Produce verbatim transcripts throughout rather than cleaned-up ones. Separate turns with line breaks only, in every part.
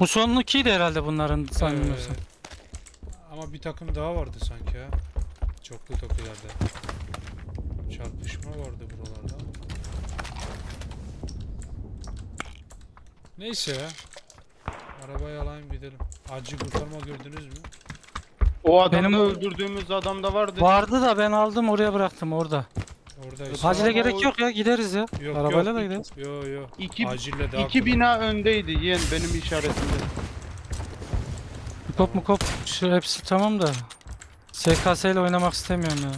Bu sonrakiydi herhalde bunların sanmıyorsam.
Ee, ama bir takım daha vardı sanki ya. Çoklu tokilerde. Çarpışma vardı buralarda. Neyse ya. Arabayı alayım gidelim. Acil kurtarma gördünüz mü?
O adamı
Benim-
öldürdüğümüz adam da vardı.
Vardı da ben aldım oraya bıraktım orada.
Oradaysa.
Acile
Ama
gerek
o-
yok ya, gideriz ya.
Yok,
Arabayla
yok.
da gideriz.
Yo yo.
İki,
Acille daha
iki
kolay.
bina öndeydi yeğen benim işaretimde.
Kop mu kop şu hepsi tamam da. S K S ile oynamak istemiyorum ya.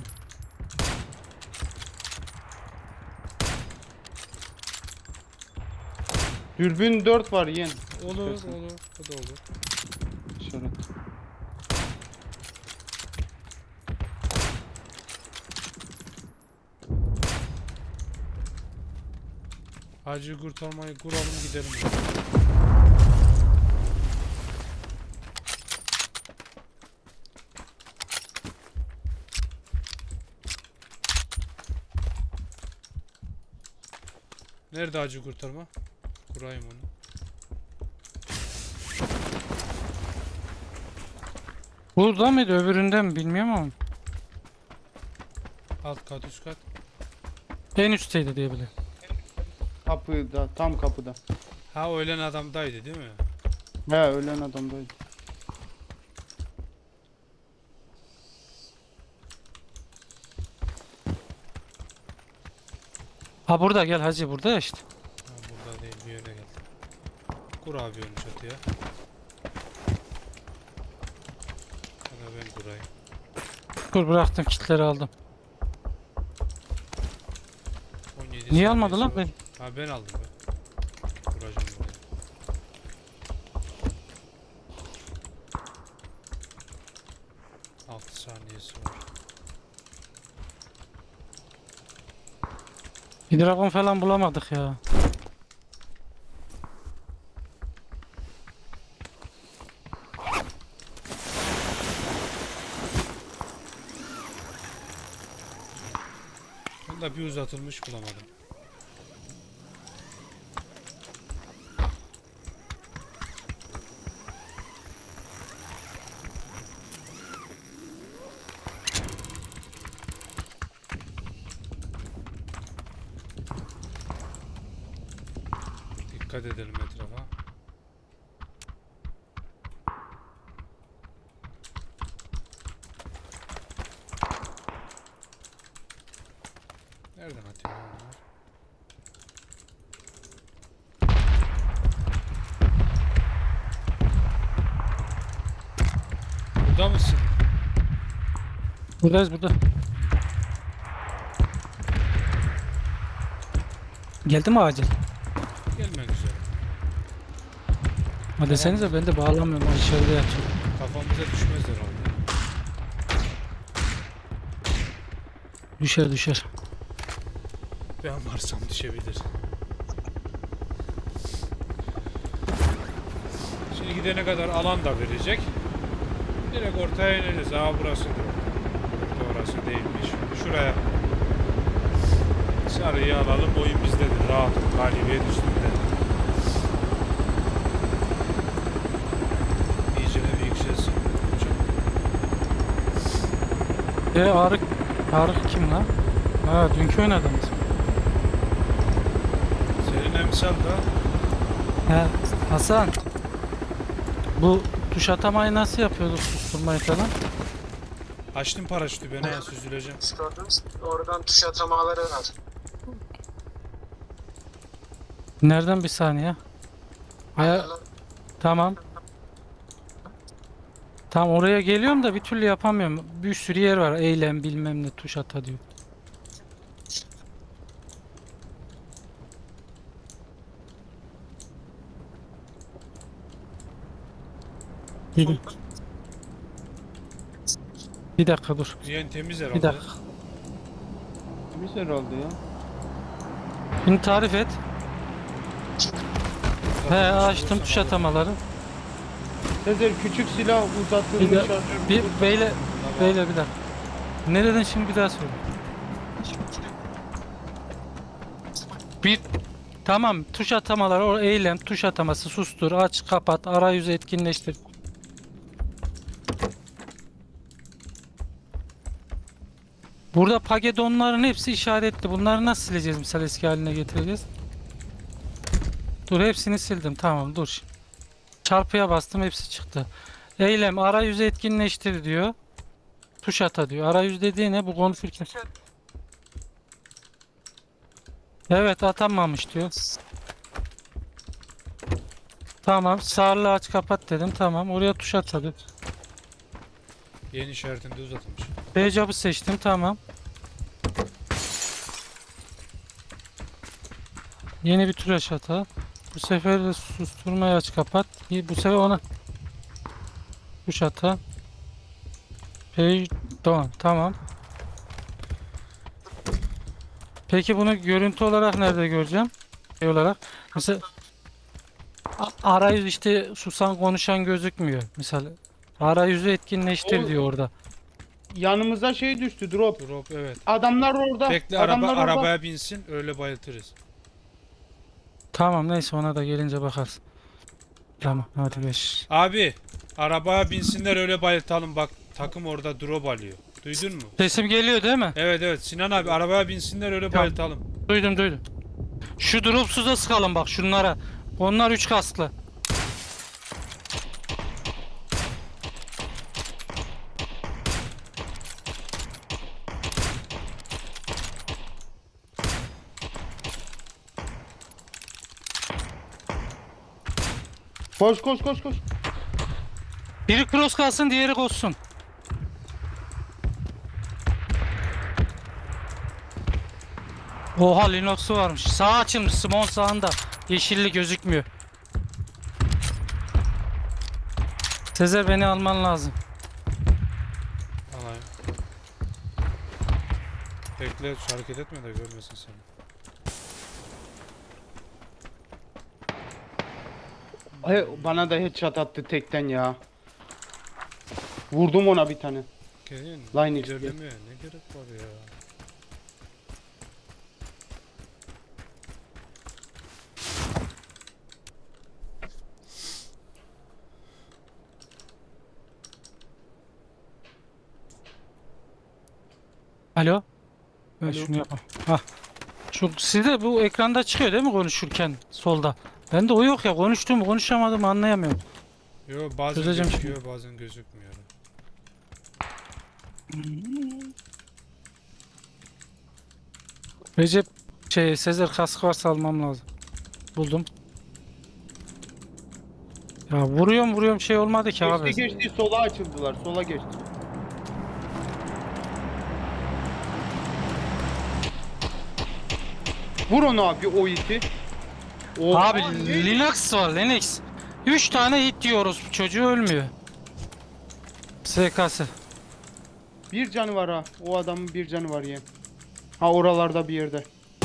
Dürbün dört var yeğen.
Olur
İstersen.
olur. O da olur.
İşaret.
Acil kurtarmayı kuralım gidelim. Nerede acil kurtarma? Kurayım onu.
Burada mıydı öbüründe mi bilmiyorum ama.
Alt kat üst kat.
En üstteydi diye biliyorum.
Kapıda, tam kapıda.
Ha o ölen adamdaydı değil mi?
He ölen adamdaydı.
Ha burada gel hacı, burada ya işte.
Ha burada değil, bir yere geldi. Kur abi onu çatıya. Ya da ben kurayım.
Dur bıraktım, kitleri aldım.
on yedi
Niye
saniyesi
almadı lan
var.
beni?
Ha ben aldım ben. Kuracağım buraya. altı saniyesi var.
Bir dragon falan bulamadık ya.
Ben de bir uzatılmış bulamadım. Dikkat edelim etrafa. Nereden atıyor lan bunlar? Burada mısın?
Buradayız burada. Geldi mi acil?
Gelmek üzere.
Ha desenize, ben de bağlamıyorum, o içeride yatıyor.
Kafamıza düşmez herhalde.
Düşer düşer.
Ben varsam düşebilir. Şimdi gidene kadar alan da verecek. Direkt ortaya ineriz. Aa burası. Orası değilmiş. Şuraya. Sarıyı alalım. Oyun bizdedir. Rahat. Galibiyet üstünde. İyice bir yükselsin.
E Arık, Arık kim lan? Ha dünkü oynadığımız.
Senin emsal da
He Hasan. Bu tuş atamayı nasıl yapıyorduk, susturmayı falan?
açtım paraşütü, ben ha süzüleceğim.
Gördünüz. Oradan tuş atamaları var.
Nereden, bir saniye? Aya tamam. Tamam oraya geliyorum da bir türlü yapamıyorum. Bir sürü yer var. Eylem bilmem ne, tuş ata diyor. Bir, bir dakika dur.
Ziyan temiz herhalde.
Bir dakika.
Temiz herhalde ya.
Şimdi tarif et. He
Zaten
açtım
tuş
tuş atamaları.
Sezer küçük silah
Bir de-
uzatılmış şarjör.
Bir beyle beyle bir dakika. Ne dedin şimdi, bir daha söyle. Bir Tamam, tuş atamaları, o eylem, tuş ataması, sustur, aç, kapat, arayüzü etkinleştir. Burada pagedonların hepsi işaretli. Bunları nasıl sileceğiz, misal eski haline getireceğiz? Dur, hepsini sildim. Tamam, dur. Çarpıya bastım, hepsi çıktı. Eylem, arayüzü etkinleştir diyor. Tuş ata diyor. Arayüz dediği ne? Bu konfigür. Evet, atamamış diyor. Tamam, sağırlı aç kapat dedim. Tamam, oraya tuş atadı.
Yeni işaretinde uzatılmış.
Backup'ı seçtim. Tamam. Yeni bir tuş ata. Bu sefer de susturmayı aç kapat. İyi, bu sefer ona tuş ata. Page down. Tamam. Peki bunu görüntü olarak nerede göreceğim? Şey olarak. Mesela a- arayüz işte susan konuşan gözükmüyor. Mesela arayüzü etkinleştir
O-
diyor orada.
Yanımıza şey düştü drop.
Drop evet.
Adamlar orada.
Bekle araba
Adamlar orada.
arabaya binsin öyle bayıltırız.
Tamam, neyse ona da gelince bakarız. Tamam, hadi beş.
Abi arabaya binsinler öyle bayıltalım bak takım orada drop alıyor. Duydun mu?
Sesim geliyor değil mi?
Evet evet Sinan abi arabaya binsinler öyle
Tamam.
bayıltalım.
Duydum duydum. Şu dropsuza sıkalım bak şunlara. Onlar üç kasklı.
Koş koş koş koş.
Biri cross kalsın, diğeri koşsun. Oha, Linux'u varmış. Sağ açılmış, Simon sağında. Yeşilli gözükmüyor. Sezer, beni alman lazım.
Alayım. Bekle hareket etme de görmesin seni.
Ay, bana da headshot attı tekten ya. Vurdum ona bir tane.
Gelin.
Line X
İlerlemeye ne gerek var ya.
Alo. Ben
Alo.
şunu yapayım. Hah. Şu sizde bu ekranda çıkıyor değil mi konuşurken solda? Bende o yok ya, konuştuğumu konuşamadığımı anlayamıyorum.
Yo bazen
Çözeceğim
gözüküyor bazen gözükmüyor.
Recep şey Sezer kask varsa almam lazım. Buldum. Ya vuruyorum vuruyorum şey olmadı ki abi.
Geçti geçti sola açıldılar. Sola geçti. Vur onu abi o iti. Oha,
Abi
ne?
Linux var, Linux. üç tane hit diyoruz, çocuğu ölmüyor. S K S.
Bir canı var ha. O adamın bir canı var ya. Ha oralarda bir yerde.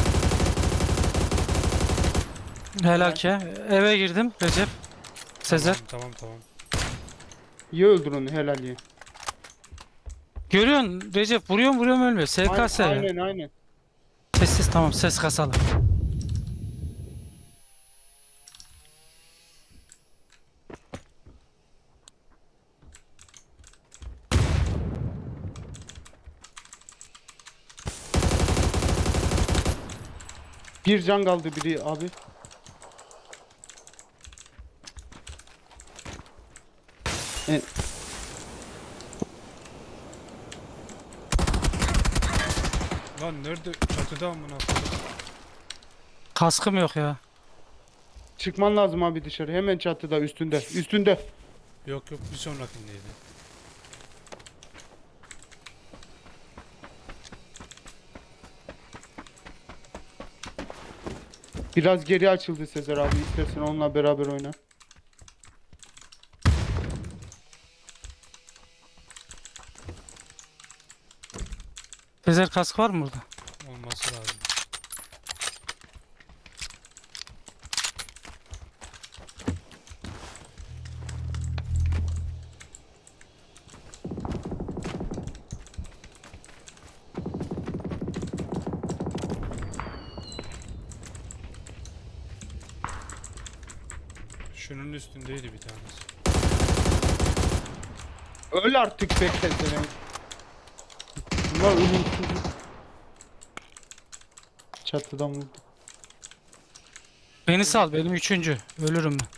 Helal ki. Eve girdim Recep. Sezer.
Tamam tamam tamam.
İyi öldür onu helal ye.
Görüyorsun Recep, vuruyorum vuruyorum ölmüyor. S K S.
Aynen aynen. aynen.
Sessiz, tamam, ses kasalım.
Bir can kaldı biri abi. E,
Lan nerede çatıda amına koyayım.
Kaskım yok ya.
çıkman lazım abi dışarı. Hemen çatıda üstünde. Üstünde.
Yok yok bir sonrakindeydi.
Biraz geri açıldı Sezer abi. İstersen onunla beraber oyna.
Sezer kask var mı burada?
Olması lazım. Tepenin üstündeydi bir tanesi.
Öl artık bekleseler. Bunlar ölümsüz. Çatıdan vurdu.
Beni sal, benim üçüncü. Ölürüm ben.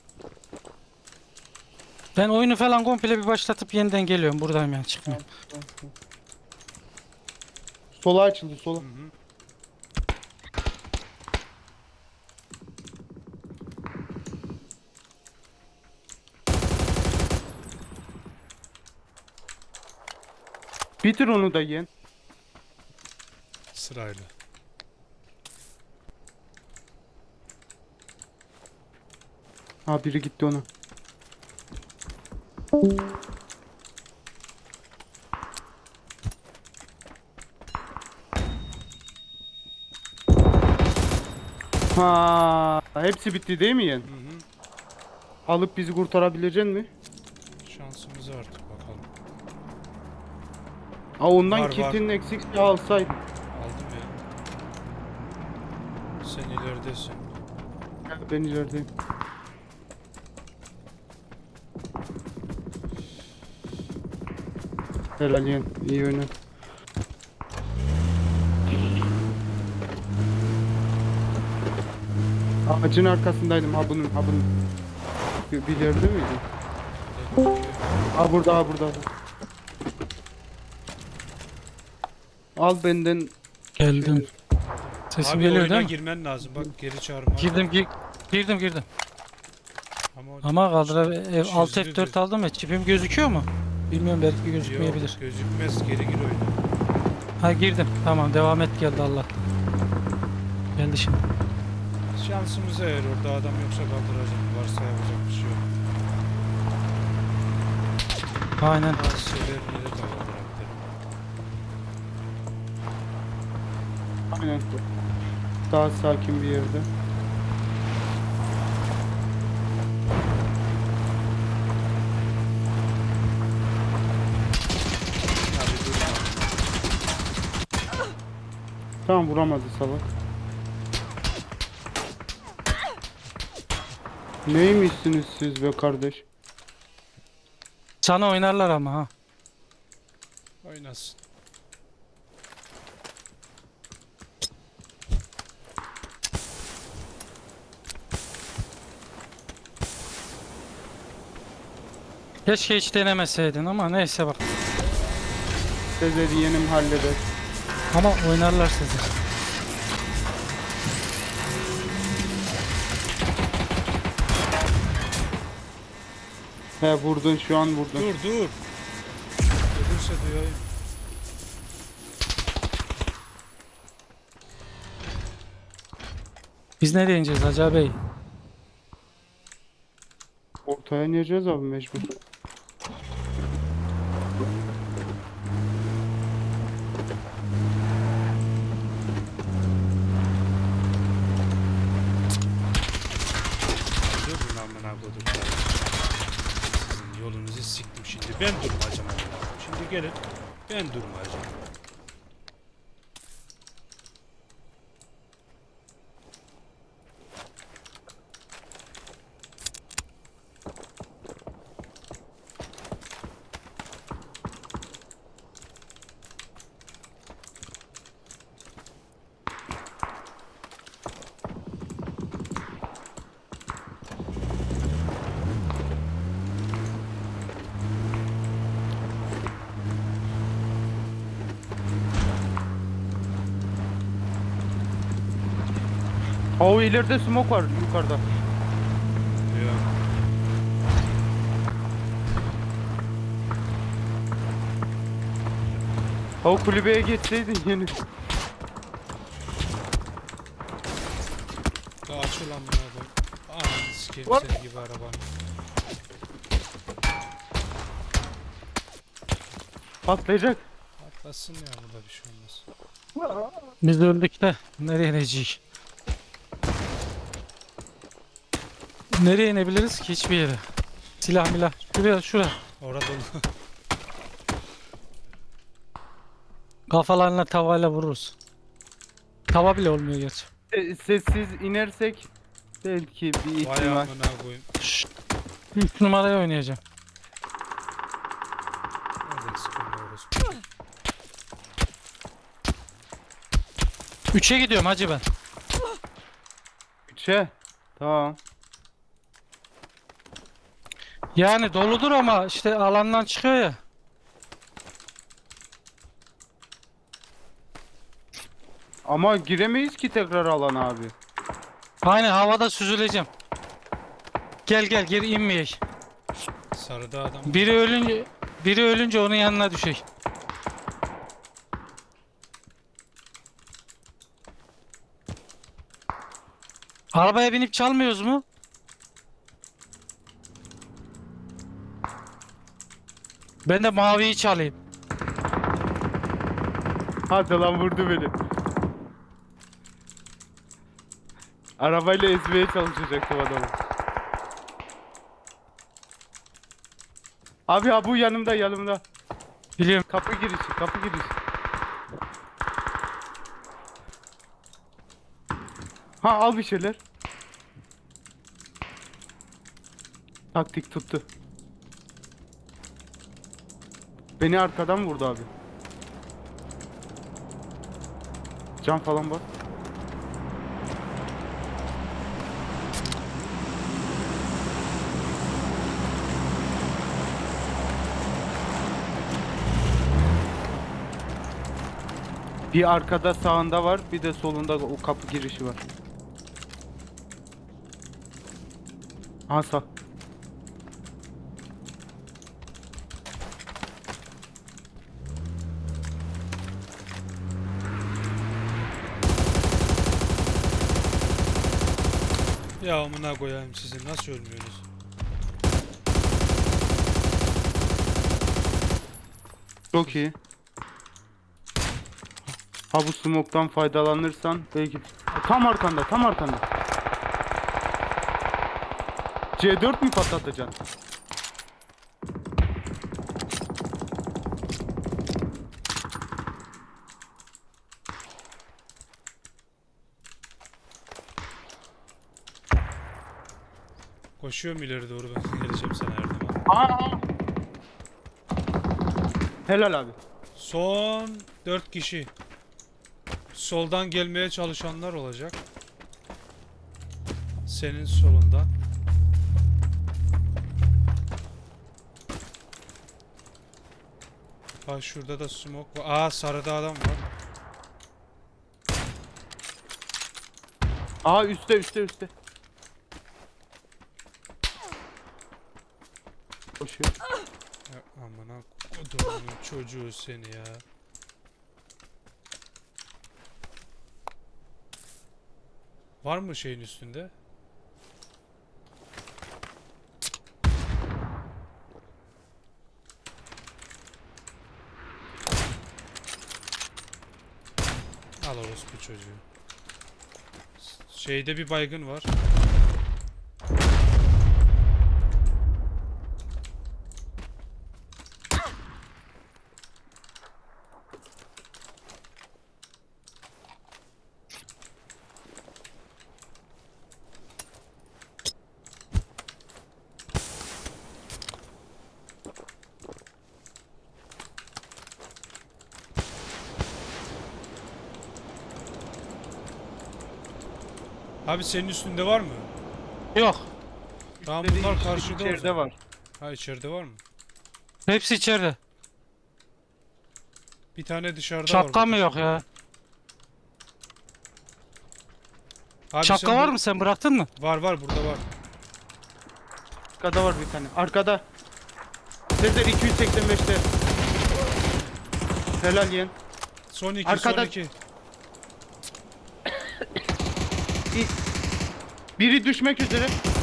Ben oyunu falan komple bir başlatıp yeniden geliyorum. Buradayım yani, çıkmıyorum.
Sola açıldı sola.
Hı hı.
Bitir onu da yen.
Sırayla.
Ha biri gitti ona. Ha, hepsi bitti değil mi yen?
Hı hı.
Alıp bizi kurtarabilecek mi?
Şansımız artık bakalım.
Ha ondan
Var, var.
kitinin eksikliği alsaydın.
Aldım ya. Sen ileridesin.
Ya ben ilerideyim. Helal yen. İyi oyna. Ağacın arkasındaydım ha bunun ha bunun. Bir, bir yerde miydi?
Burada gözüküyor.
Ha burada ha burada. Al benden.
Geldim. Sesim
Abi
geliyor
oyuna
değil mi?
girmen lazım. Bak geri çağırma.
Girdim, gi- girdim, girdim.
Ama, o-
Ama kaldır ev alt
Çizdi
F dört
diyor.
aldım ya. Çipim gözüküyor mu? Bilmiyorum, belki
Yok,
gözükmeyebilir.
gözükmez. Geri gir oyuna.
Ha girdim. Tamam, devam et, geldi Allah. Geldi şimdi.
Şansımıza eğer orada adam yoksa kaldıracak. Varsa yapacak bir şey yok.
Aynen.
Asilerini de kaldırabilirim.
Aynen. Daha sakin bir yerde.
Abi durma.
Tamam vuramadı salak. Neymişsiniz siz be kardeş?
Sana oynarlar ama ha.
Oynasın.
Keşke hiç denemeseydin ama neyse bak.
Sezer'i yenim halleder.
Ama oynarlar sizi.
He vurdun şu an vurdun.
Dur dur. Ölürse duyayım.
Biz nereye ineceğiz Hacı Bey?
Ortaya ineceğiz abi mecbur.
Durun amına koduklar. Sizin yolunuzu siktim şimdi. Ben durmayacağım amına. Şimdi gelin. Ben durmayacağım.
Ha o ileride smoke var yukarıda.
Ya.
Ha o kulübeye geçseydin yeni.
Daha açıl amına koyayım. Ananı sikeyim
What?
senin gibi arabanı.
Patlayacak.
Atlasın ya, burada bir şey olmaz.
Biz de öldük de nereye ineceğiz? Nereye inebiliriz ki? Hiçbir yere. Silah milah. Şuraya, şuraya.
Orada dolu.
Kafalarına tavayla vururuz. Tava bile olmuyor gerçi.
E, sessiz inersek Belki bir
Vay
ihtimal.
amına koyayım.
üç numaraya oynayacağım.
Nereden sıkılmıyoruz? orospu?
üçe gidiyorum hacı ben.
Üçe. Tamam.
Yani doludur ama işte alandan çıkıyor ya.
Ama giremeyiz ki tekrar alan abi.
Aynen havada süzüleceğim. Gel gel geri inmeyek.
Sarıda adam.
Biri ölünce biri ölünce onun yanına düşecek. Arabaya binip çalmıyoruz mu? Ben de maviyi çalayım.
Hadi lan vurdu beni. Arabayla ezmeye çalışacaktım adamı. Abi ha bu yanımda yanımda.
Biliyorum.
Kapı girişi kapı girişi. Ha al bir şeyler. Taktik tuttu. Beni arkadan vurdu abi. Can falan var. Bir arkada sağında var, bir de solunda o kapı girişi var. Ha sağ.
Ya amına koyayım sizi nasıl ölmüyorsunuz?
Çok iyi. Ha bu smoke'tan faydalanırsan belki tam arkanda, tam arkanda. C dört mü patlatacaksın?
Koşuyorum ileri doğru ben geleceğim sana her zaman.
Aa! Helal abi.
Son dört kişi. Soldan gelmeye çalışanlar olacak. Senin solundan. Ha şurada da smoke var. Aa sarıda adam var.
Aa üstte üstte üstte. Koşuyor.
Ya amına kodumun çocuğu seni ya. Var mı şeyin üstünde? Al orospu çocuğu. Şeyde bir baygın var. Abi senin üstünde var mı?
Yok.
Tamam
Dediğin
bunlar
işte
karşıda o
içeride
zaman.
var.
Ha içeride var mı?
Hepsi içeride.
Bir tane dışarıda var.
Şapka mı
burada.
yok ya?
Abi
Şapka
sen
var
bu-
mı, sen bıraktın mı?
Var var burada var.
Arkada var bir tane. Arkada. Sezer iki yüz seksen beşte. Helal yeğen.
Son iki
Arkada-
son iki.
Biri düşmek üzere.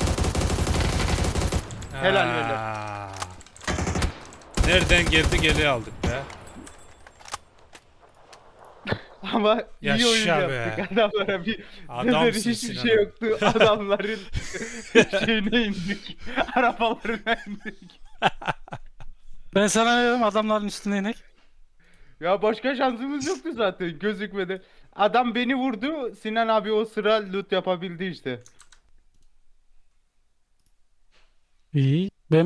Helal, helal.
Aa. Nereden geldi geri aldık be.
Ama iyi
Yaşa
oyun
be.
yaptık. Adamlara bir
Adamsın
Sezer hiçbir
Sinan
şey
abi.
yoktu. Adamların şeyine indik. Arabalarına indik.
Ben sana ne dedim, adamların üstüne inek.
Ya başka şansımız yoktu zaten gözükmedi. Adam beni vurdu. Sinan abi o sıra loot yapabildi işte.
İyi. Ben